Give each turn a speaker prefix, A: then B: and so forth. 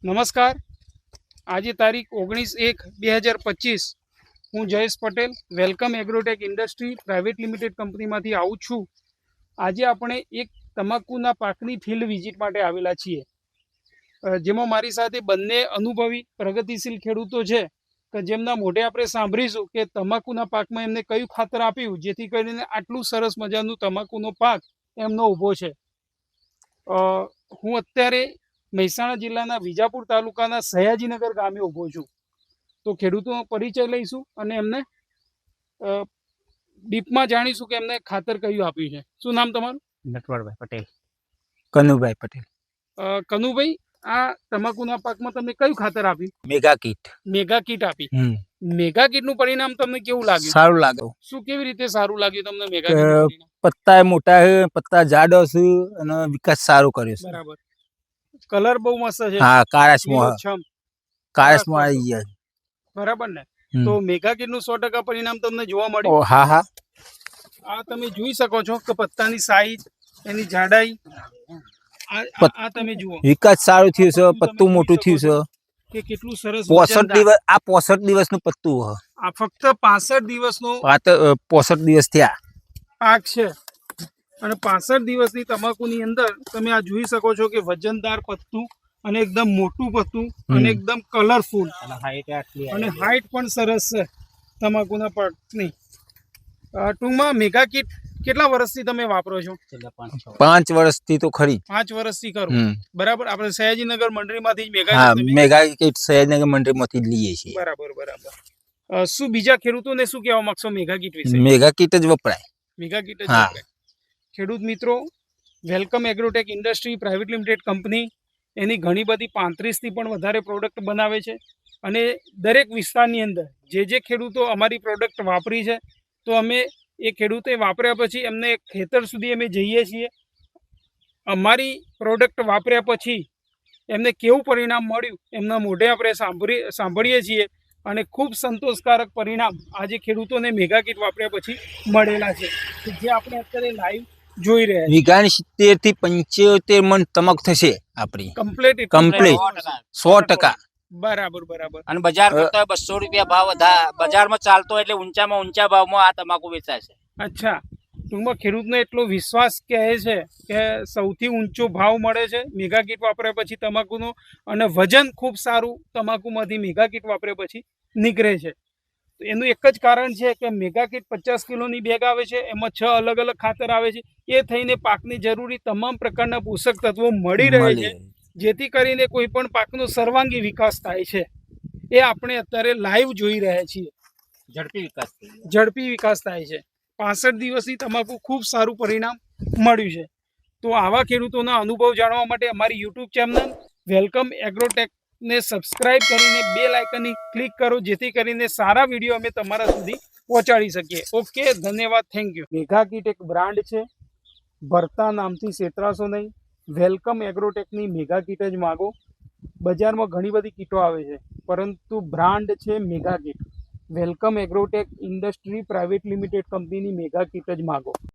A: નમસ્કાર. આજે તારીખ 19/1/2025 હું Jayesh Patel welcome agrotech industry private limited કંપનીમાંથી આવું છું. આજે આપણે એક તમાકુના પાકની ફિલ્ડ વિઝિટ માટે આવેલા છીએ, જેમાં મારી સાથે બંને અનુભવી પ્રગતિશીલ ખેડૂતો છે કે જેમના મોઢે આપણે સાંભળીશું કે તમાકુના પાકમાં એમને કયું ખાતર આપ્યું જેથી કરીને આટલું સરસ મજાનું તમાકુનો પાક એમનો ઊભો છે. હું અત્યારે મહેસાણા જિલ્લાના વિજાપુર તાલુકાના સયાજીનગર ગામે ઊભો છું. તો ખેડૂતોનો પરિચય લઈશું અને એમને ડીપમાં જાણીશું કે એમને ખાતર કયું આપ્યું છે. શું નામ તમારું?
B: નટવરભાઈ પટેલ. કનુભાઈ પટેલ.
A: કનુભાઈ, આ તમાકુના પાકમાં તમે કયું ખાતર આપ્યું?
B: Mega kit.
A: મેગા કીટ આપી. મેગા કીટનું પરિણામ તમને કેવું લાગ્યું?
B: સારું લાગ્યું.
A: શું કેવી રીતે સારું લાગ્યું તમને મેગા કીટ?
B: પત્તા મોટા છે, પત્તા જાડો છે અને વિકાસ સારો કર્યો છે.
A: બરાબર. કલર બહુ મસ્ત છે.
B: હા, કાળાશમાં આવી ગયા.
A: બરાબર ને? તો મેગા કીટ નું 100% પરિણામ તમને જોવા મળ્યું?
B: હા હા.
A: આ તમે જોઈ શકો છો કે પત્તાની સાઈઝ, એની જાડાઈ, આ તમે જુઓ.
B: વિકાસ સારું થયું છે, પત્તું મોટું થયું છે
A: કે કેટલું સરસ.
B: 65 દિવસ, આ 65 દિવસનું પત્તું છે.
A: આ ફક્ત 65 દિવસનો
B: 65 દિવસ થયા
A: પાક છે. અને 65 દિવસની તમાકુની અંદર તમે આ જોઈ શકો છો કે વજનદાર પત્તું અને એકદમ મોટું પત્તું અને એકદમ કલરફુલ અને હાઈટ પણ સરસ છે તમાકુના પાકની. ટૂંકમાં મેગા કીટ કેટલા વર્ષથી તમે વાપરો છો?
B: 5 વર્ષથી તો ખરી.
A: 5 વર્ષથી કરો. બરાબર. આપણે સયાજીનગર મંડળીમાંથી
B: મેગા કીટ સયાજીનગર મંડળીમાંથી લઈએ છીએ.
A: બરાબર બરાબર. શું બીજા ખેડૂતોને શું કહેવા માંગશો મેગા કીટ વિશે?
B: મેગા કીટ જ વપરાય.
A: મેગા કીટ જ વપરાય. ખેડૂત મિત્રો, welcome agrotech industry private limited company એની ઘણી બધી 35થી પણ વધારે પ્રોડક્ટ બનાવે છે અને દરેક વિસ્તારની અંદર જે ખેડૂતો અમારી પ્રોડક્ટ વાપરી છે તો અમે એ ખેડૂતે વાપર્યા પછી એમને ખેતર સુધી અમે જઈએ છીએ. અમારી પ્રોડક્ટ વાપર્યા પછી એમને કેવું પરિણામ મળ્યું એમના મોઢે આપણે સાંભળીએ છીએ અને ખૂબ સંતોષકારક પરિણામ આજે ખેડૂતોને મેગા કીટ વાપર્યા પછી મળેલા છે, જે આપણે અત્યારે લાઈવ જોઈ રહ્યા છીએ.
B: વીઘાની 70 થી 75 મણ તમાકુ થશે આપણી. કમ્પ્લીટ 100%.
A: બરાબર બરાબર.
C: અને બજાર કરતા 200 રૂપિયા ભાવ બજારમાં ચાલતો એટલે ઊંચામાં ઊંચા ભાવમાં આ તમાકુ વેચાય છે.
A: અચ્છા. ટૂંકમાં ખેડૂતનો એટલો વિશ્વાસ કહે છે કે સૌથી ઊંચો ભાવ મળે છે મેગા કીટ વાપર્યા પછી તમાકુનો અને વજન ખૂબ સારું તમાકુમાંથી મેગા કીટ વાપર્યા પછી નીકળે છે. એનું એક જ કારણ છે કે મેગા કીટ 50 કિલોની બેગ આવે છે, એમાં 6 અલગ અલગ ખાતર આવે છે. એ થઈને પાકની જરૂરી તમામ પ્રકારના પોષક તત્વો મળી રહે છે, જેથી કરીને કોઈ પણ પાકનો સર્વાંગી વિકાસ થાય છે. એ આપણે અત્યારે લાઈવ જોઈ રહ્યા છીએ. ઝડપી વિકાસ થાય છે. 65 દિવસની તમાકુ ખૂબ સારું પરિણામ મળ્યું છે. તો આવા ખેડૂતોના અનુભવ જાણવા માટે અમારી યુટ્યુબ ચેનલ વેલકમ એગ્રોટેક ને સબસ્ક્રાઇબ કરીને બેલ આઇકનની ક્લિક કરો, જેથી કરીને સારા વિડીયો અમે તમારા સુધી પહોંચાડી શકીએ. ઓકે, ધન્યવાદ, થેન્ક યુ. મેગા કીટ એક બ્રાન્ડ છે, ભરતા નામથી છેતરાશો નહીં. વેલકમ એગ્રોટેકની મેગા કીટ જ માગો. બજારમાં ઘણી બધી કીટો આવે છે, પરંતુ બ્રાન્ડ છે mega kit. Welcome agrotech industry private limited કંપનીની મેગા કીટ જ માગો.